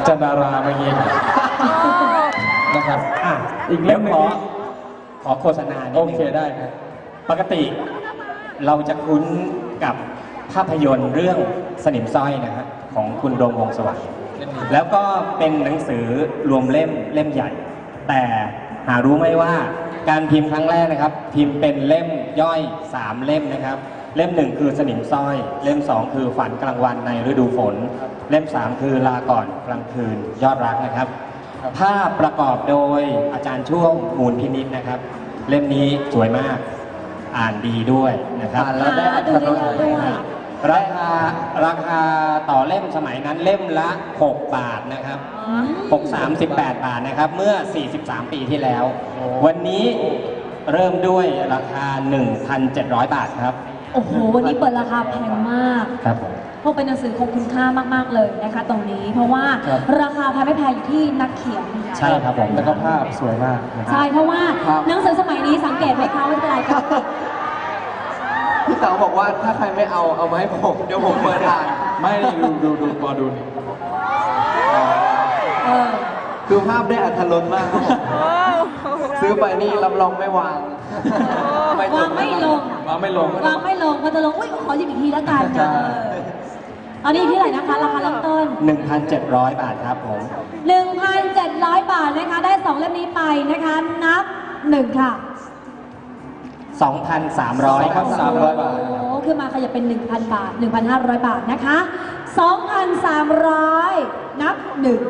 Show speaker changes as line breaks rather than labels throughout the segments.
จันดาราเมื่อกี้นะครับอีกเล่มหนึ่ง
ขอโฆษณานิดนึง
โอเคได้ครับ
ปกติเราจะคุ้นกับภาพยนตร์เรื่องสนิมสร้อยนะฮะของคุณโดมวงศ์สวัสดิ์แล้วก็เป็นหนังสือรวมเล่มใหญ่ แต่หารู้ไหมว่าการพิมพ์ครั้งแรกนะครับ พิมพ์เป็นเล่มย่อย3เล่มนะครับเล่ม1คือสนิมสร้อยเล่ม2คือฝันกลางวันในฤดูฝนเล่ม3คือลาก่อนกลางคืนยอดรักนะครับภาพประกอบโดยอาจารย์ช่วงมูลพินิจนะครับ เล่มนี้สวยมากอ่านดีด้วยนะครับแล้วได้อัตรสด้วยราคาต่อเล่มสมัยนั้นเล่มละ6 บาทนะครับ18 บาทนะครับเมื่อ43 ปีที่แล้ววันนี้เริ่มด้วยราคา 1,700 บาทครับ
โอ้โหวันนี้เปิดราคาแพงมาก
ครับ
เพราะเป็นหนังสือคงคุณค่ามากๆเลยนะคะตรงนี้เพราะว่าราคาแพงไม่แพงอยู่ที่นักเขียน
ใช่ครับผม
แล้วก็ภาพสวยมาก
ใช่เพราะว่าหนังสือสมัยนี้สังเกตไหมคะว่าเป็นอะไรครับ
พี่เต๋าบอกว่าถ้าใครไม่เอามาให้ผมเดี๋ยวผมเปิดอ่าน
ไม่ดูพอดูนี่
คือภาพได้อรรถรสมากครับผมซื้อไปนี่รับรองไม่วาง
วางไม่ลงพอจะลงอุ้ยขอหยิบอีกทีแล้วกันตอนนี้ที่ไหนนะคะราคาเริ่มต้น
1,700 บาทครับผม
1,700 บาทนะคะได้2เล่มนี้ไปนะคะนับ1ค่ะ
2,300 ครับ300 บาท
โอ้คือมาขยับเป็น 1,000 บาท 1,500 บาทนะคะ2,300 นับ1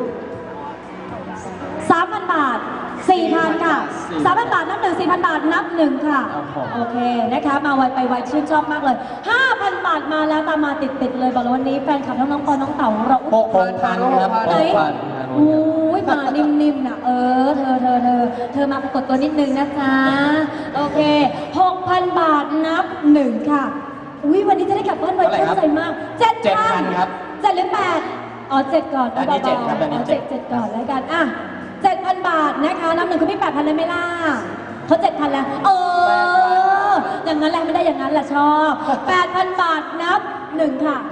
3,000 บาท 4,000 ค่ะ 3,000 บาทนับ1 4,000 บาทนับ1ค่ะโอเคนะคะมาไวไปไวชื่นชอบมากเลย 5,000 บาทมาแล้วตามมาติดเลยบอกเลยวันนี้แฟนคลับน้องๆปอน้องเต๋าของเรา
6,000 ครับ
6,000อุ้ยมานิ่มๆนะเธอมาปรากฏตัวนิดนึงนะจ๊ะโอเค 6,000 บาทนับ1ค่ะอุ้ยวันนี้จะได้กลับบ้านไวชื่นใจมาก
7,000 ครับ
7หรือ8อ๋อ7ก่อน
อันนี้7ครับอันนี้
7ก่อนแล้วกันอ่ะ7,000 บาทนะคะนับ1คุณพี่ 8,000เลยไหมล่ะเขา 7,000 แล้วอย่างนั้นแหละไม่ได้อย่างนั้นแหละชอบ 8,000 บาทนับ1ค่ะ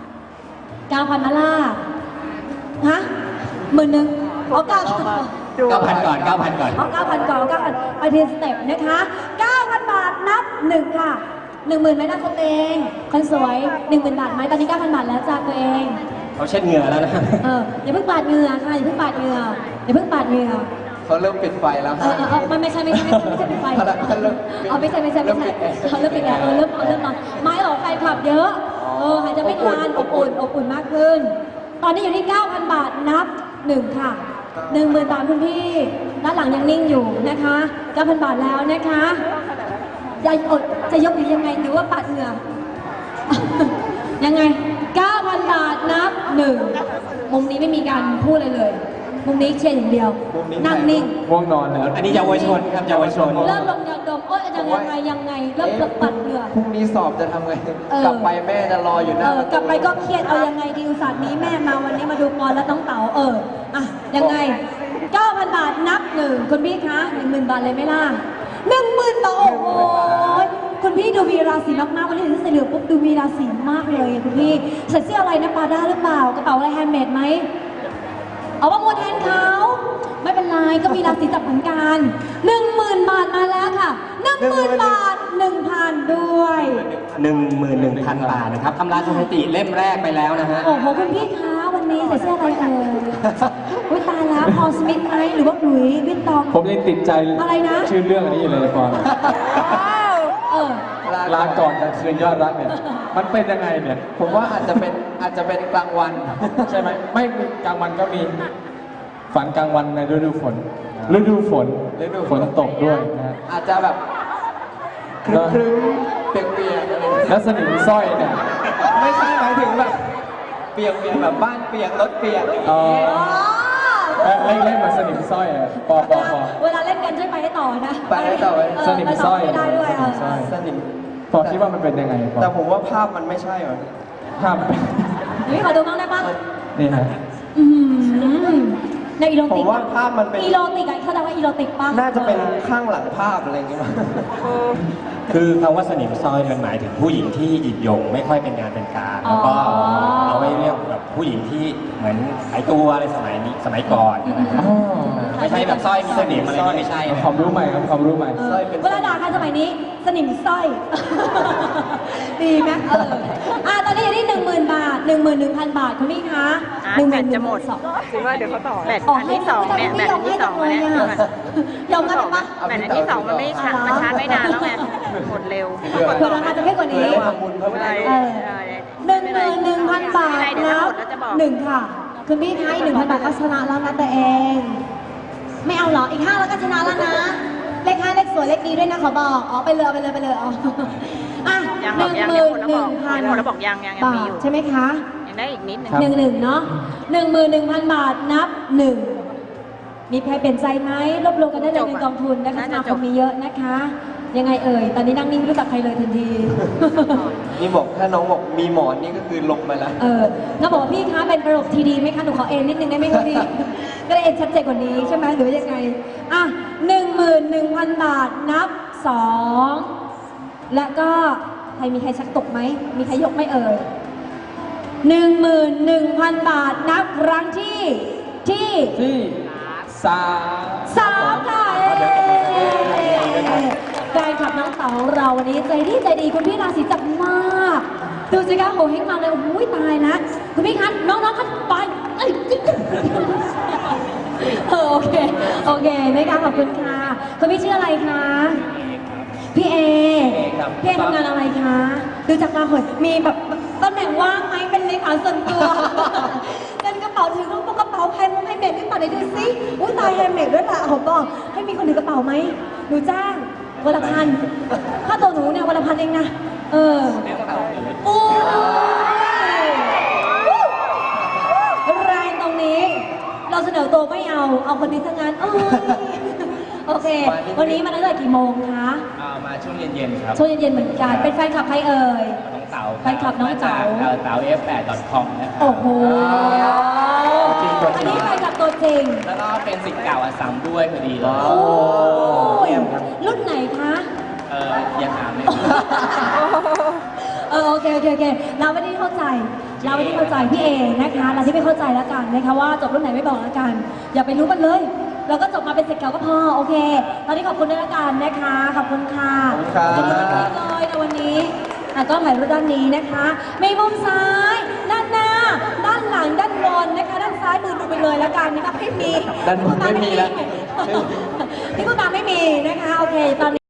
9,000มาล่ะฮะ10,000เอา9,000
ก่อน
เอา9,000 ก่อนไปทีสเต็ปนะคะ 9,000 บาทนับ1ค่ะ 10,000ไหมนะคนเองคนสวย 10,000 บาทไหมตอนนี้ 9,000 บาทแล้วจ้าตัวเอง
เขาเช็ดเหงื่อแล้วนะ
อย่าเพิ่งปาดเหงื่อค่ะอย่าเพิ่งปาดเหงื่อ
เขาเริ่มปิดไฟแล้ว
ไม่ใช่ปิดไฟเอาไม่ใช่เขาเริ่มปิดแล้วเริ่มนอนไม้หรอไฟขับเยอะหายใจไม่ทันอบอุ่นมากขึ้นตอนนี้อยู่ที่ 9,000 บาทนับ1ค่ะ 10,000 บาทคุณพี่ด้านหลังยังนิ่งอยู่นะคะ 9,000 บาทแล้วนะคะจะยกหรือยังไงหรือว่าปาดเหงื่อยังไง 9,000 บาทนับ1มุมนี้ไม่มีการพูดเลยมุมนี้เชียร์อย่างเดียวนั่งนิ่ง
ง่วงนอนแล้ว
อันนี้เยาวชนครับเยาวชน
เริ่มลงยาดมยังไงเริ่มปัดเหงื่อ
พรุ่งนี้สอบจะทำไงกลับไปแม่จะรออยู่นะ
กลับไปก็เครียดเอายังไงดีอุตส่าห์นี้แม่มาวันนี้มาดูบอลแล้วต้องเต๋ายังไง 9,000 บาทนับ1คุณพี่คะ 10,000 บาทเลยไหมล่ะ 10,000 บาทโอ้โหคุณพี่ดูมีราศีมากๆวันนี้ถึงใส่เหลืองปุ๊บดูมีราศีมากเลยคุณพี่ใส่เสื้ออะไรนะปาด้าหรือเปล่ากระเป๋าอะไรแฮนด์เมดไหมเอาประมูลแทนเขาไม่เป็นไรก็มีราศีจับเหมือนกัน 10,000 บาทมาแล้วค่ะ 10,000 บาท 1,000 ด้วย
11,000 บาทนะครับทำลายสถิติเล่มแรกไปแล้วนะฮะ
โอ้โหคุณพี่คะวันนี้ใส่เสื้ออะไรอุ้ยตายแล้วพอสมิธไหมหรือว่าหลุยส์วิตตอง
ผมยังติดใจ
อะไรนะ
ชื่อเรื่องอันนี้อยู่เลยก่อนลาก่อนกลางคืนยอดรักเนี่ยมันเป็นยังไงเนี่ย
ผมว่าอาจจะเป็นกลางวัน
ใช่ไหมไม่กลางวันก็มีฝันกลางวันในฤดูฝนฝนตกด้วยนะ
อาจจะแบบครึ้มเปียกๆ
แล้วสนิมสร้อยเนี่ย
ไม่ใช่หมายถึงแบบเปียกแบบบ้านเปียกรถเปียก
เล่นเหมือนสนิมสร้อยปอ
เวลาเล่นกันช่วยไปให้ต่อนะ
ไปให้ต่อ
สนิมสร้อย
ได้ด้วย
สนิม
พอคิดว่ามันเป็นยังไง
แต่ผมว่าภาพมันไม่ใช่หรอ
ภาพ
นี่ขอดูบ้างได้ปะ
นี่ฮะ
ในอีโรติก
ผมว่าภาพมันเป็น
อีโรติกเข้าใจว่าอีโรติกป่ะ
น่าจะเป็นข้างหลังภาพอะไรอย่างเงี้ย
คือคำว่าสนิมสร้อยมันหมายถึงผู้หญิงที่หยิบยงไม่ค่อยเป็นงานเป็นการแล้วก็
อ๋อ
เอาไว้เรียกแบบผู้หญิงที่เหมือนขายตัวอะไรสมัยนี้สมัยก่อนนะครับ
อ๋อ
ไม่ใช่แบบสร้อยมีสนิมอะไรนี่ไม่ใช่นะ
ความรู้ใหม่ครับความรู้ใหม่
เออเวลาด่ากันสมัยนี้สนิมสร้อย ดีไหมตอนนี้อยู่ที่ 10,000 บาท 11,000 บาทคุณพี่คะ
แบตจะหมด
11,200
คิดว่าเดี๋ยวเขาต่อแบตอันที่สองเนี่ยแบตอันที่สองเนี่ย
ยอมกันปะ
แบตอันที่สองมันไม่ชาร์จมันชาร์จไม่นานแล้วไงหมดเร็ว
เผื่อราคาจะไม่กว่านี้
อะไร
11,000 บาทนับ1ค่ะคุณพี่คะ1,000 บาทก็ชนะแล้วนะแต่เอง ไม่เอาเหรออีก5แล้วก็ชนะแล้วนะเลข5เลขสวยเลขดีด้วยนะขอบอกไปเลยอ๋ออ่ะ
ยังบอกยังยังคนละบอก
11,000
คนละบอกยังมี
บา
อ
ท
ยู่
ใช่ไหมคะ
ยังได้อีกนิดนึง
ครับ
11,000เนาะ11,000 บาทนับ 1มีใครเปลี่ยนใจไหมรวบรวมกันได้เลยในกองทุนนะคะสมาคมมีเยอะนะคะ ยังไงเอ่ยตอนนี้นั่งนิ่งไม่รู้จักใครเลยทันที
นี่บอกถ้าน้องบอกมีหมอนนี่ก็คือลงมาแล้ว
น้องบอกว่าพี่คะเป็นระบบทีดีไหมคะหนูขอเอ็นนิดนึงได้ไหมคะพี่ ก็ได้เอ็นชัดเจนกว่านี้ใช่ไหมหรือว่ายังไงอ่ะ11,000 บาทนับ 2 และก็ใครมีใครชักตกไหมมีใครยกไหม่เอ่ย11,000 บาทนับครั้งที่ที่
ที่สาม
3ค่ะแฟนคลับน้องเต๋าของเราวันนี้ใจดีคุณพี่ราศีจับมากดูสิคะโหเฮงมาเลยโอ้ยตายนะคุณพี่คะน้องๆคะไปเอ้ยโอเคนะคะขอบคุณค่ะคุณพี่ชื่ออะไรคะพี่เอ
ครับ
พี่เอทำงานอะไรคะดูจากตาหอยมีแบบตำแหน่งว่างไหมเป็นเลขาส่วนตัวเป็นกระเป๋าถือกระเป๋าแฮนด์เมดหรือเปล่าไหนดูสิอุ้ยตายแฮนด์เมดด้วยล่ะผมบอกให้มีคนถือกระเป๋าไหมหนูจ้างวันละพันค่าตัวหนูเนี่ยวันละพันเองนะโอ้ยแรงตรงนี้ เราเสนอตัวไม่เอาคนนี้ทั้งนั้นโอเค วันนี้มาตั้งแต่กี่โมงคะ
มาช่วงเย็นๆครับ
ช่วงเย็นๆเหมือนกัน เป็นแฟนคลับใครเอ่ย
น้องเต๋า
แฟนคลับน้องเต๋า
เต๋า f8.com นะครับ
โอ้โห
จริงตัวจริ
อัน
ง
นี้แฟนคลับตัวจริง
แล้วก็เป็นสิทธิ์เก่าอัสสัมด้วยพอดีเลย
โอ้ยรุ่นไหนคะ
อย่าถามเลย
โอเคเราไม่ได้เข้าใจพี่เอนะคะเราที่ไม่เข้าใจแล้วกันนะคะว่าจบรุ่นไหนไม่บอกแล้วกัน อย่าไปรู้มันเลย เราก็จบมาเป็นศิษย์เก่าก็พอโอเค ตอนนี้ขอบคุณด้วยละกันนะคะขอบคุณค่ะ
ขอบคุณครับ
ขอบคุณเลยในวันนี้ก็ถ่ายรูปด้านนี้นะคะมีมุมซ้ายด้านหน้า ด้านหลังด้านบนนะคะด้านซ้ายมือดูไปเลยแล้วกันนะคะไม่มี
ด้านบนไม่มีแล้ว
ที่พูดมาไม่มีนะคะโอเคตอนนี้